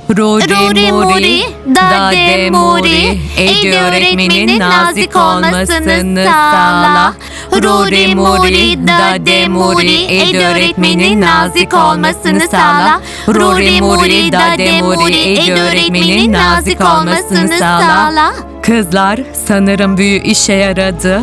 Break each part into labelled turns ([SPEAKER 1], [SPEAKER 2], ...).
[SPEAKER 1] Ruri muri, dade muri, Edi öğretmenin nazik olmasını sağla. Ruri muri, dade muri, Edi öğretmenin nazik olmasını sağla. Ruri muri, dade muri, Edi öğretmenin nazik olmasını sağla.
[SPEAKER 2] Kızlar, sanırım büyü işe yaradı.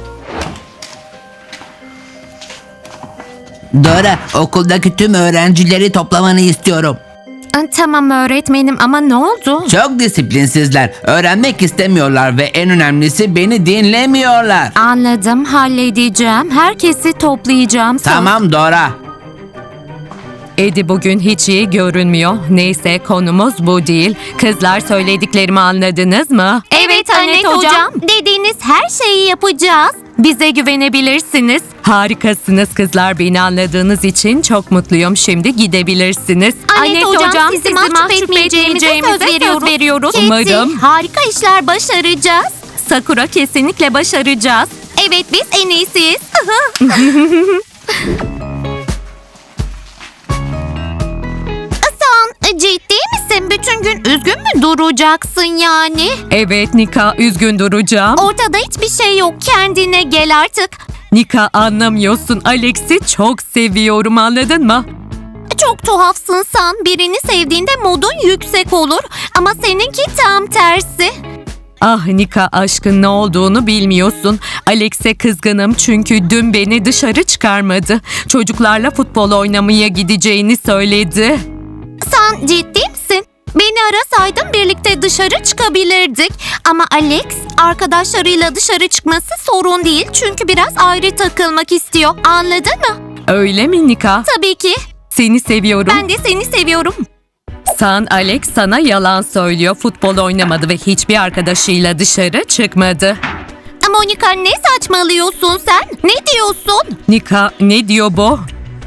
[SPEAKER 3] Dora, okuldaki tüm öğrencileri toplamanı istiyorum.
[SPEAKER 1] Tamam öğretmenim ama ne oldu?
[SPEAKER 3] Çok disiplinsizler. Öğrenmek istemiyorlar ve en önemlisi beni dinlemiyorlar.
[SPEAKER 1] Anladım, halledeceğim. Herkesi toplayacağım.
[SPEAKER 3] Tamam Dora.
[SPEAKER 2] Edi bugün hiç iyi görünmüyor. Neyse, konumuz bu değil. Kızlar, söylediklerimi anladınız mı?
[SPEAKER 1] Evet Anet hocam. Dediğiniz her şeyi yapacağız.
[SPEAKER 2] Bize güvenebilirsiniz. Harikasınız kızlar, beni anladığınız için çok mutluyum. Şimdi gidebilirsiniz.
[SPEAKER 1] Anet hocam sizi mahcup etmeyeceğimize söz veriyoruz.
[SPEAKER 2] Umarım.
[SPEAKER 1] Harika işler başaracağız.
[SPEAKER 2] Sakura, kesinlikle başaracağız.
[SPEAKER 1] Evet biz en iyisiyiz. Sen ciddi misin? Bütün gün üzgün mü duracaksın yani?
[SPEAKER 2] Evet Nika, üzgün duracağım.
[SPEAKER 1] Ortada hiçbir şey yok. Kendine gel artık.
[SPEAKER 2] Nika, anlamıyorsun. Alex'i çok seviyorum, anladın mı?
[SPEAKER 1] Çok tuhafsın sen. Birini sevdiğinde modun yüksek olur. Ama seninki tam tersi.
[SPEAKER 2] Ah Nika, aşkın ne olduğunu bilmiyorsun. Alex'e kızgınım çünkü dün beni dışarı çıkarmadı. Çocuklarla futbol oynamaya gideceğini söyledi.
[SPEAKER 1] Sen ciddi misin? Beni arasaydın birlikte dışarı çıkabilirdik. Ama Alex arkadaşlarıyla dışarı çıkması sorun değil. Çünkü biraz ayrı takılmak istiyor. Anladın mı?
[SPEAKER 2] Öyle mi Nika?
[SPEAKER 1] Tabii ki.
[SPEAKER 2] Seni seviyorum.
[SPEAKER 1] Ben de seni seviyorum.
[SPEAKER 2] Alex sana yalan söylüyor. Futbol oynamadı ve hiçbir arkadaşıyla dışarı çıkmadı.
[SPEAKER 1] Monika ne saçmalıyorsun sen? Ne diyorsun?
[SPEAKER 2] Nika, ne diyor bu?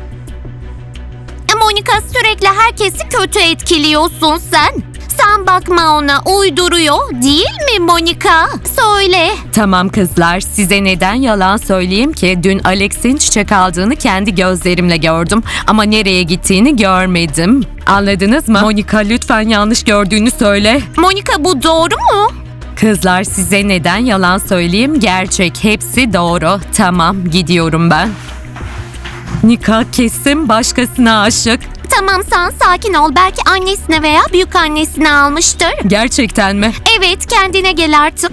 [SPEAKER 1] Monika sürekli herkesi kötü etkiliyorsun sen. Sen bakma ona, uyduruyor değil mi Monika? Söyle.
[SPEAKER 2] Tamam kızlar, size neden yalan söyleyeyim ki? Dün Alex'in çiçek aldığını kendi gözlerimle gördüm ama nereye gittiğini görmedim. Anladınız mı? Monika, lütfen yanlış gördüğünü söyle.
[SPEAKER 1] Monika bu doğru mu?
[SPEAKER 2] Kızlar, size neden yalan söyleyeyim? Gerçek, hepsi doğru. Tamam, gidiyorum ben. Nika kesin başkasına aşık.
[SPEAKER 1] Tamam sen sakin ol. Belki annesine veya büyük annesine almıştır.
[SPEAKER 2] Gerçekten mi?
[SPEAKER 1] Evet kendine gel artık.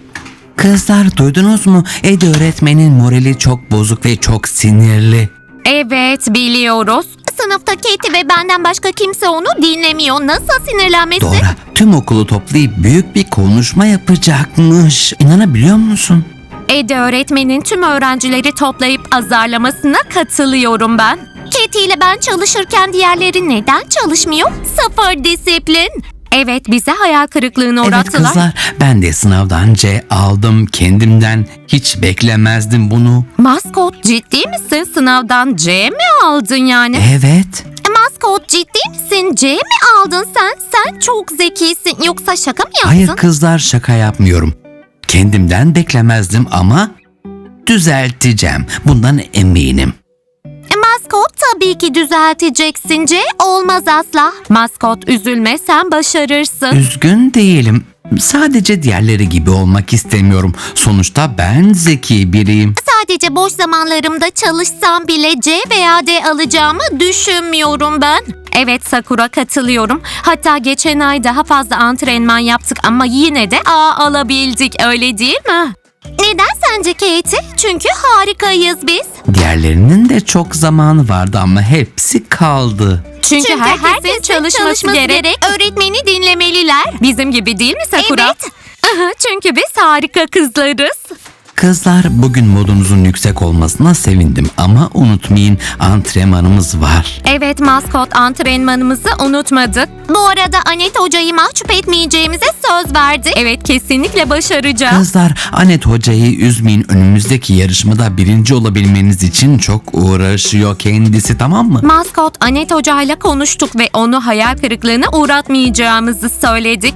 [SPEAKER 3] Kızlar, duydunuz mu? Edi öğretmenin morali çok bozuk ve çok sinirli.
[SPEAKER 2] Evet, biliyoruz.
[SPEAKER 1] Sınıfta Katie ve benden başka kimse onu dinlemiyor. Nasıl sinirlenmesi?
[SPEAKER 3] Dora, tüm okulu toplayıp büyük bir konuşma yapacakmış. İnanabiliyor musun?
[SPEAKER 2] Edi öğretmenin tüm öğrencileri toplayıp azarlamasına katılıyorum ben.
[SPEAKER 1] Katie ile ben çalışırken diğerleri neden çalışmıyor? Sıfır disiplin.
[SPEAKER 2] Evet, bize hayal kırıklığına
[SPEAKER 3] Evet
[SPEAKER 2] uğrattılar.
[SPEAKER 3] kızlar, ben de sınavdan C aldım. Kendimden hiç beklemezdim bunu.
[SPEAKER 2] Maskot, ciddi misin? Sınavdan C mi aldın yani?
[SPEAKER 3] Evet.
[SPEAKER 1] Maskot ciddi misin? C mi aldın sen? Sen çok zekisin. Yoksa şaka mı yaptın?
[SPEAKER 3] Hayır kızlar, şaka yapmıyorum. Kendimden beklemezdim ama düzelteceğim. Bundan eminim.
[SPEAKER 1] Maskot tabii ki düzelteceksin. C olmaz asla.
[SPEAKER 2] Maskot, üzülme, sen başarırsın.
[SPEAKER 3] Üzgün değilim. Sadece diğerleri gibi olmak istemiyorum. Sonuçta ben zeki biriyim.
[SPEAKER 1] Sadece boş zamanlarımda çalışsam bile C veya D alacağımı düşünmüyorum ben.
[SPEAKER 2] Evet Sakura, katılıyorum. Hatta geçen ay daha fazla antrenman yaptık ama yine de A alabildik, öyle değil mi?
[SPEAKER 1] Neden sence Katie? Çünkü harikayız biz.
[SPEAKER 3] Diğerlerinin de çok zamanı vardı ama hepsi kaldı.
[SPEAKER 2] Çünkü herkesin çalışması gerek.
[SPEAKER 1] Öğretmeni dinlemeliler.
[SPEAKER 2] Bizim gibi değil mi Sakura?
[SPEAKER 1] Evet.
[SPEAKER 2] Aha, çünkü biz harika kızlarız.
[SPEAKER 3] Kızlar, bugün modunuzun yüksek olmasına sevindim ama unutmayın, antrenmanımız var.
[SPEAKER 2] Evet Maskot, antrenmanımızı unutmadık.
[SPEAKER 1] Bu arada Anet hocayı mahcup etmeyeceğimize söz verdik.
[SPEAKER 2] Evet, kesinlikle başaracağız.
[SPEAKER 3] Kızlar, Anet hocayı üzmeyin. Önümüzdeki yarışmada birinci olabilmeniz için çok uğraşıyor kendisi, tamam mı?
[SPEAKER 2] Maskot, Anet hocayla konuştuk ve onu hayal kırıklığına uğratmayacağımızı söyledik.
[SPEAKER 1] Evet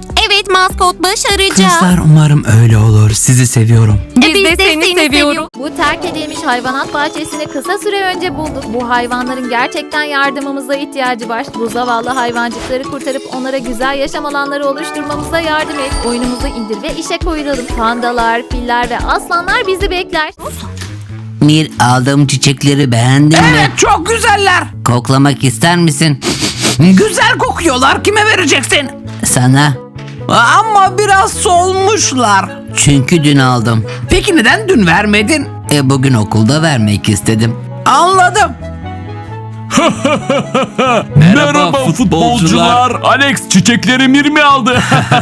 [SPEAKER 1] Evet maskot başaracağız.
[SPEAKER 3] Kızlar umarım öyle olur. Sizi seviyorum.
[SPEAKER 2] Biz de seni seviyoruz.
[SPEAKER 4] Bu terk edilmiş hayvanat bahçesini kısa süre önce bulduk. Bu hayvanların gerçekten yardımımıza ihtiyacı var. Bu zavallı hayvancıkları kurtarıp onlara güzel yaşam alanları oluşturmamıza yardım et. Oyunumuzu indir ve işe koyulalım. Pandalar, filler ve aslanlar bizi bekler.
[SPEAKER 5] Mir, aldığım çiçekleri beğendin mi?
[SPEAKER 6] Evet, çok güzeller.
[SPEAKER 5] Koklamak ister misin?
[SPEAKER 6] Güzel kokuyorlar. Kime vereceksin?
[SPEAKER 5] Sana.
[SPEAKER 6] Ama biraz solmuşlar.
[SPEAKER 5] Çünkü dün aldım.
[SPEAKER 6] Peki neden dün vermedin?
[SPEAKER 5] Bugün okulda vermek istedim.
[SPEAKER 6] Anladım.
[SPEAKER 7] Merhaba futbolcular. Alex çiçekleri Mir mi aldı?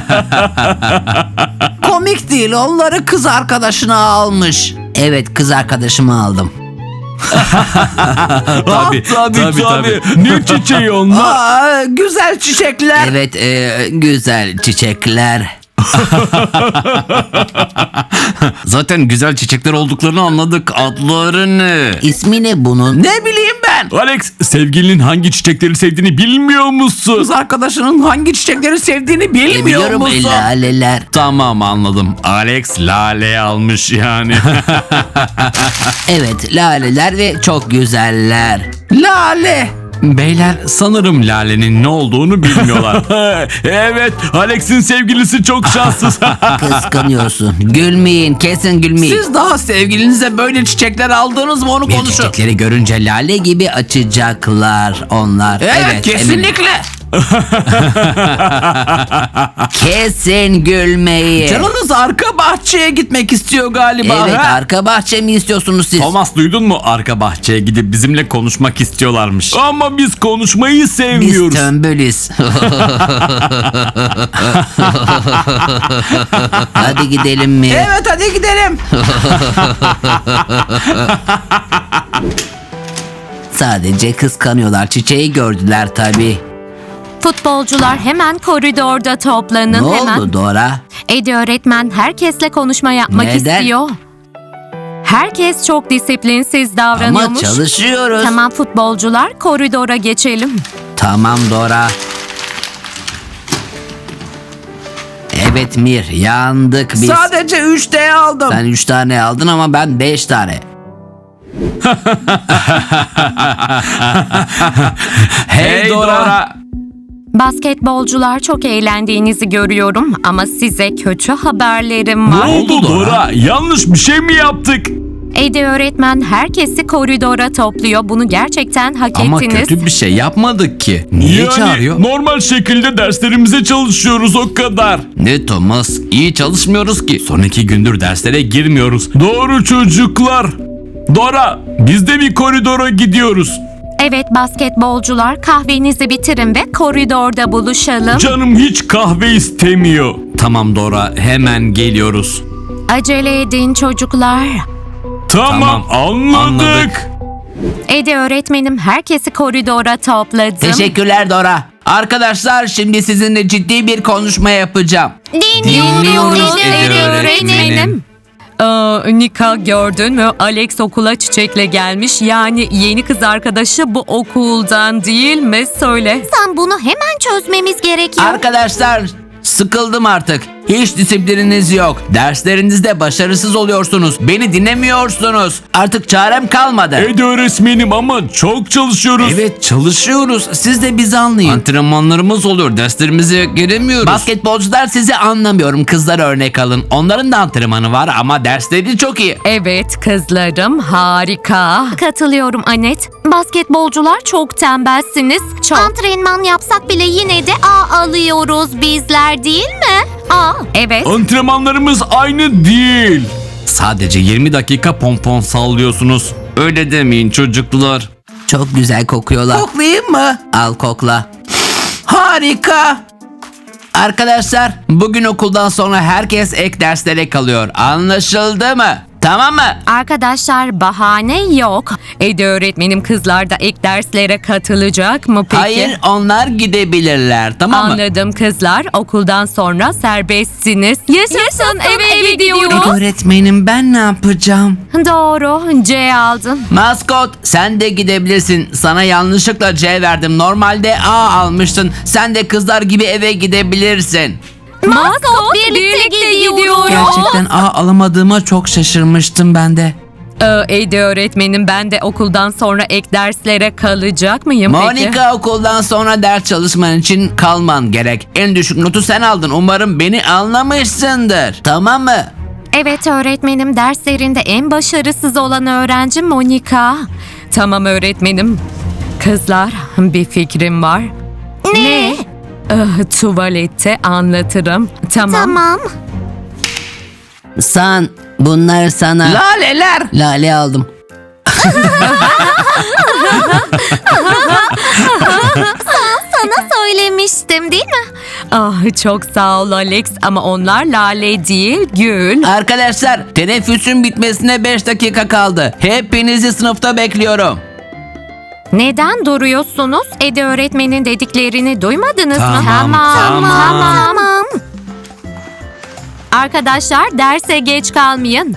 [SPEAKER 6] Komik değil. Onları kız arkadaşına almış.
[SPEAKER 5] Evet, kız arkadaşımı aldım.
[SPEAKER 7] tabii. Ne çiçeği onlar?
[SPEAKER 6] Güzel çiçekler.
[SPEAKER 5] Evet, güzel çiçekler.
[SPEAKER 3] Zaten güzel çiçekler olduklarını anladık. Adlarını.
[SPEAKER 5] İsmi ne bunun?
[SPEAKER 6] Ne bileyim ben.
[SPEAKER 7] Alex sevgilinin hangi çiçekleri sevdiğini bilmiyor musun?
[SPEAKER 6] Kız arkadaşının hangi çiçekleri sevdiğini bilmiyor
[SPEAKER 5] Biliyorum,
[SPEAKER 6] musun?
[SPEAKER 5] laleler.
[SPEAKER 3] Tamam anladım. Alex lale almış yani.
[SPEAKER 5] Evet, laleler ve çok güzeller.
[SPEAKER 6] Lale.
[SPEAKER 3] Beyler sanırım lalenin ne olduğunu bilmiyorlar.
[SPEAKER 7] Evet Alex'in sevgilisi çok şanssız.
[SPEAKER 5] Kıskanıyorsun. Gülmeyin, kesin gülmeyin.
[SPEAKER 6] Siz daha sevgilinize böyle çiçekler aldınız mı onu
[SPEAKER 5] Bir
[SPEAKER 6] konuşun.
[SPEAKER 5] çiçekleri görünce lale gibi açacaklar onlar.
[SPEAKER 6] Evet,
[SPEAKER 5] eminim.
[SPEAKER 6] kesinlikle.
[SPEAKER 5] Kesin gülmeyin.
[SPEAKER 6] Canınız arka bahçeye gitmek istiyor galiba.
[SPEAKER 5] Evet,
[SPEAKER 6] ha?
[SPEAKER 5] arka bahçe mi istiyorsunuz siz?
[SPEAKER 3] Thomas duydun mu? Arka bahçeye gidip bizimle konuşmak istiyorlarmış.
[SPEAKER 7] Ama biz konuşmayı
[SPEAKER 5] Biz
[SPEAKER 7] sevmiyoruz.
[SPEAKER 5] tömbülüz. Hadi gidelim mi?
[SPEAKER 6] Evet, hadi gidelim.
[SPEAKER 5] Sadece kıskanıyorlar. Çiçeği gördüler tabii.
[SPEAKER 2] Futbolcular hemen koridorda toplanın
[SPEAKER 5] Ne
[SPEAKER 2] hemen.
[SPEAKER 5] oldu Dora?
[SPEAKER 2] Eddie öğretmen herkesle konuşma yapmak
[SPEAKER 5] Neden?
[SPEAKER 2] istiyor. Herkes çok disiplinsiz
[SPEAKER 5] Ama
[SPEAKER 2] davranıyormuş.
[SPEAKER 5] çalışıyoruz.
[SPEAKER 2] Tamam futbolcular koridora geçelim.
[SPEAKER 5] Tamam Dora. Evet Mir, yandık biz.
[SPEAKER 6] Sadece 3D aldım.
[SPEAKER 5] Sen 3 tane aldın ama ben 5 tane.
[SPEAKER 3] Hey Dora.
[SPEAKER 2] Basketbolcular çok eğlendiğinizi görüyorum ama size kötü haberlerim
[SPEAKER 7] Ne
[SPEAKER 2] var.
[SPEAKER 7] oldu Dora? Yanlış bir şey mi yaptık?
[SPEAKER 2] Eddie öğretmen herkesi koridora topluyor. Bunu gerçekten hak
[SPEAKER 3] Ama
[SPEAKER 2] ettiniz.
[SPEAKER 3] kötü bir şey yapmadık ki. Niye çağırıyor?
[SPEAKER 7] Normal şekilde derslerimize çalışıyoruz o kadar.
[SPEAKER 3] Ne Thomas? İyi çalışmıyoruz ki. Son 2 gündür derslere girmiyoruz.
[SPEAKER 7] Doğru çocuklar. Dora biz de bir koridora gidiyoruz.
[SPEAKER 2] Evet basketbolcular kahvenizi bitirin ve koridorda buluşalım.
[SPEAKER 7] Canım hiç kahve istemiyor.
[SPEAKER 3] Tamam Dora, hemen geliyoruz.
[SPEAKER 2] Acele edin çocuklar.
[SPEAKER 7] Tamam, anladık.
[SPEAKER 3] anladık.
[SPEAKER 2] Eddie öğretmenim herkesi koridora topladım.
[SPEAKER 5] Teşekkürler Dora. Arkadaşlar, şimdi sizinle ciddi bir konuşma yapacağım.
[SPEAKER 2] Dinliyoruz
[SPEAKER 3] Eddie
[SPEAKER 2] Eddie
[SPEAKER 3] öğretmenim.
[SPEAKER 2] öğretmenim. Nika gördün mü? Alex okula çiçekle gelmiş. Yani yeni kız arkadaşı bu okuldan değil mi? Söyle.
[SPEAKER 1] Sen bunu hemen çözmemiz gerekiyor.
[SPEAKER 5] Arkadaşlar, sıkıldım artık. Hiç disiplininiz yok. Derslerinizde başarısız oluyorsunuz. Beni dinlemiyorsunuz. Artık çarem kalmadı.
[SPEAKER 7] Eddie öğretmenim ama çok çalışıyoruz.
[SPEAKER 3] Evet çalışıyoruz. Siz de bizi anlayın. Antrenmanlarımız oluyor. Derslerimize giremiyoruz.
[SPEAKER 5] Basketbolcular, sizi anlamıyorum. Kızlar örnek alın. Onların da antrenmanı var ama dersleri çok iyi.
[SPEAKER 2] Evet kızlarım harika. Katılıyorum Anet. Basketbolcular çok tembelsiniz. Çok.
[SPEAKER 1] Antrenman yapsak bile yine de A alıyoruz bizler değil mi? A.
[SPEAKER 2] Evet.
[SPEAKER 7] Antrenmanlarımız aynı değil.
[SPEAKER 3] Sadece 20 dakika pompon sallıyorsunuz. Öyle demeyin çocuklar.
[SPEAKER 5] Çok güzel kokuyorlar.
[SPEAKER 6] Koklayayım mı?
[SPEAKER 5] Al kokla.
[SPEAKER 6] Harika.
[SPEAKER 5] Arkadaşlar, bugün okuldan sonra herkes ek derslere kalıyor. Anlaşıldı mı? Tamam mı?
[SPEAKER 2] Arkadaşlar bahane yok. Eddie öğretmenim kızlar da ek derslere katılacak mı peki?
[SPEAKER 5] Hayır, onlar gidebilirler. Tamam mı?
[SPEAKER 2] Anladım kızlar. Okuldan sonra serbestsiniz. Yaşasın eve gidiyoruz.
[SPEAKER 6] Öğretmenim, ben ne yapacağım?
[SPEAKER 2] Doğru. C aldın.
[SPEAKER 5] Maskot, sen de gidebilirsin. Sana yanlışlıkla C verdim. Normalde A almıştın. Sen de kızlar gibi eve gidebilirsin.
[SPEAKER 2] Maskot birlikte gidiyoruz.
[SPEAKER 3] Gerçekten alamadığıma çok şaşırmıştım ben de.
[SPEAKER 2] Edi öğretmenim, ben de okuldan sonra ek derslere kalacak mıyım peki?
[SPEAKER 5] Monika, okuldan sonra ders çalışman için kalman gerek. En düşük notu sen aldın. Umarım beni anlamışsındır. Tamam mı?
[SPEAKER 2] Evet öğretmenim, derslerinde en başarısız olan öğrenci Monika. Tamam öğretmenim. Kızlar, bir fikrim var.
[SPEAKER 1] Ne?
[SPEAKER 2] Tuvalette anlatırım.
[SPEAKER 1] Tamam.
[SPEAKER 6] San, bunlar sana.
[SPEAKER 5] Laleler.
[SPEAKER 6] Lale aldım.
[SPEAKER 1] Sana söylemiştim değil mi?
[SPEAKER 2] Ah, çok sağ ol Alex, ama onlar lale değil, gül.
[SPEAKER 5] Arkadaşlar, teneffüsün bitmesine 5 dakika kaldı. Hepinizi sınıfta bekliyorum.
[SPEAKER 2] Neden duruyorsunuz? Edi öğretmenin dediklerini duymadınız mı?
[SPEAKER 1] Tamam.
[SPEAKER 2] Arkadaşlar, derse geç kalmayın.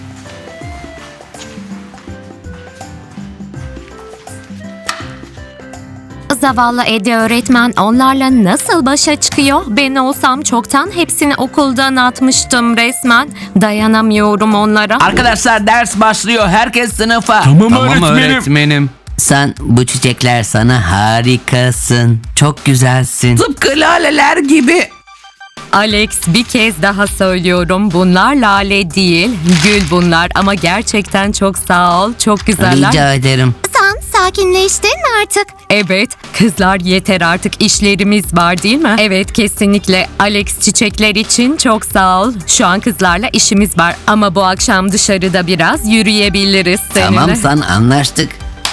[SPEAKER 2] Zavallı Edi öğretmen onlarla nasıl başa çıkıyor? Ben olsam çoktan hepsini okuldan atmıştım resmen. Dayanamıyorum onlara.
[SPEAKER 5] Arkadaşlar, ders başlıyor. Herkes sınıfa.
[SPEAKER 7] Tamam,
[SPEAKER 3] Tamam
[SPEAKER 7] öğretmenim.
[SPEAKER 3] öğretmenim.
[SPEAKER 6] San, bu çiçekler sana harikasın. Çok güzelsin.
[SPEAKER 5] Tıpkı laleler gibi.
[SPEAKER 2] Alex, bir kez daha söylüyorum. Bunlar lale değil, gül bunlar. Ama gerçekten çok sağ ol. Çok güzeller.
[SPEAKER 6] Rica ederim.
[SPEAKER 1] Sen sakinleştin mi artık?
[SPEAKER 2] Evet, kızlar yeter artık, işlerimiz var değil mi? Evet, kesinlikle. Alex, çiçekler için çok sağ ol. Şu an kızlarla işimiz var. Ama bu akşam dışarıda biraz yürüyebiliriz seninle.
[SPEAKER 6] Tamam San, anlaştık.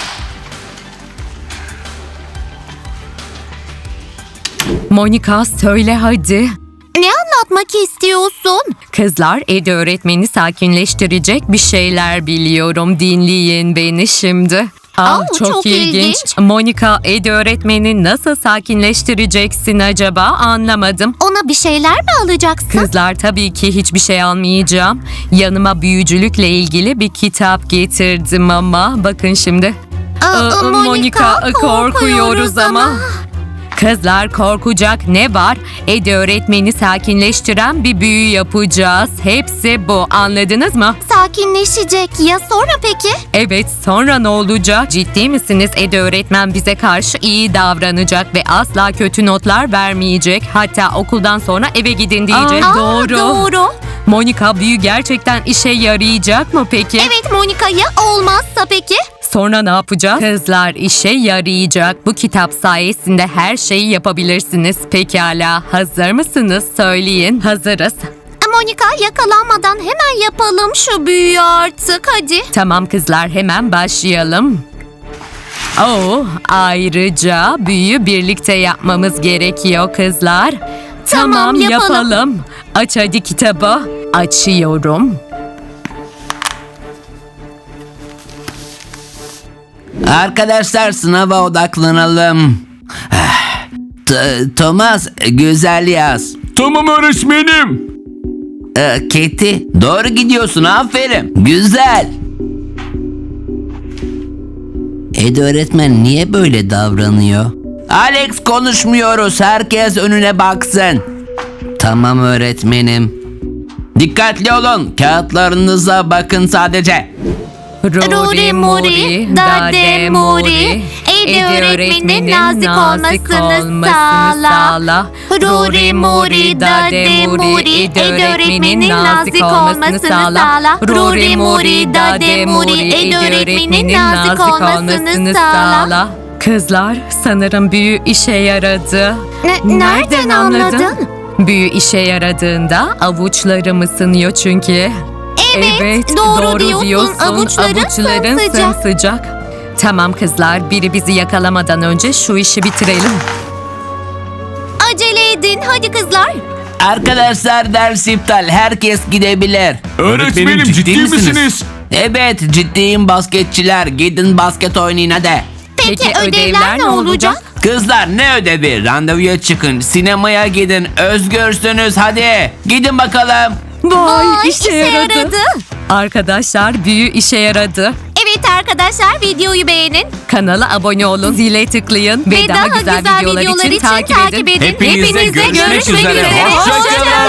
[SPEAKER 2] Monika, söyle hadi.
[SPEAKER 1] Ne anlatmak istiyorsun?
[SPEAKER 2] Kızlar, Edi öğretmeni sakinleştirecek bir şeyler biliyorum. Dinleyin beni şimdi.
[SPEAKER 1] Çok ilginç.
[SPEAKER 2] Monika, Edi öğretmeni nasıl sakinleştireceksin acaba? Anlamadım.
[SPEAKER 1] Ona bir şeyler mi alacaksın?
[SPEAKER 2] Kızlar, tabii ki hiçbir şey almayacağım. Yanıma büyücülükle ilgili bir kitap getirdim ama. Bakın şimdi.
[SPEAKER 1] Monika,
[SPEAKER 2] korkuyoruz ama. Kızlar, korkacak ne var? Edi öğretmeni sakinleştiren bir büyü yapacağız. Hepsi bu. Anladınız mı?
[SPEAKER 1] Sakinleşecek. Ya sonra peki?
[SPEAKER 2] Evet, sonra ne olacak? Ciddi misiniz? Edi öğretmen bize karşı iyi davranacak ve asla kötü notlar vermeyecek. Hatta okuldan sonra eve gidin diyecek.
[SPEAKER 1] Doğru.
[SPEAKER 2] Monika, büyü gerçekten işe yarayacak mı peki?
[SPEAKER 1] Evet Monika, ya olmazsa peki?
[SPEAKER 2] Sonra ne yapacağız? Kızlar, işe yarayacak. Bu kitap sayesinde her şeyi yapabilirsiniz. Pekala, hazır mısınız? Söyleyin. Hazırız.
[SPEAKER 1] Monika, yakalanmadan hemen yapalım şu büyüyü artık hadi.
[SPEAKER 2] Tamam kızlar, hemen başlayalım. Ayrıca büyü birlikte yapmamız gerekiyor kızlar.
[SPEAKER 1] Tamam, yapalım.
[SPEAKER 2] Aç hadi kitabı. Açıyorum.
[SPEAKER 5] Arkadaşlar, sınava odaklanalım. Thomas, güzel yaz.
[SPEAKER 7] Tamam öğretmenim.
[SPEAKER 5] Katie, doğru gidiyorsun. Aferin. Güzel.
[SPEAKER 6] Edi öğretmen niye böyle davranıyor?
[SPEAKER 5] Alex, konuşmuyoruz. Herkes önüne baksın.
[SPEAKER 6] Tamam öğretmenim.
[SPEAKER 5] Dikkatli olun. Kağıtlarınıza bakın sadece.
[SPEAKER 1] Ruri muri, dade muri. Edi öğretmenin nazik olmasını sağla. Ruri muri, dade muri. Edi öğretmenin nazik olmasını sağla. Ruri muri, dade muri. Edi öğretmenin nazik olmasını sağla.
[SPEAKER 2] Kızlar, sanırım büyü işe yaradı.
[SPEAKER 1] Nereden anladın?
[SPEAKER 2] Büyü işe yaradığında avuçlarım ısınıyor çünkü.
[SPEAKER 1] Evet, doğru diyorsun. Avuçların sımsıcak.
[SPEAKER 2] sımsıcak. Tamam kızlar, biri bizi yakalamadan önce şu işi bitirelim.
[SPEAKER 1] Acele edin hadi kızlar.
[SPEAKER 5] Arkadaşlar, ders iptal. Herkes gidebilir.
[SPEAKER 7] Öğretmenim, ciddi misiniz?
[SPEAKER 5] Evet, ciddiyim basketçiler. Gidin basket oynayın hadi.
[SPEAKER 1] Peki ödevler ne olacak?
[SPEAKER 5] Kızlar, ne ödevi? Randevuya çıkın. Sinemaya gidin. Özgürsünüz hadi. Gidin bakalım.
[SPEAKER 2] Vay,
[SPEAKER 1] işe yaradı.
[SPEAKER 2] Arkadaşlar, büyü işe yaradı.
[SPEAKER 1] Evet arkadaşlar. Arkadaşlar videoyu beğenin
[SPEAKER 2] Kanala abone olun, zile tıklayın ve, daha güzel videolar için takip edin.
[SPEAKER 5] Hepinize görüşmek üzere.
[SPEAKER 1] Hoşça kalın.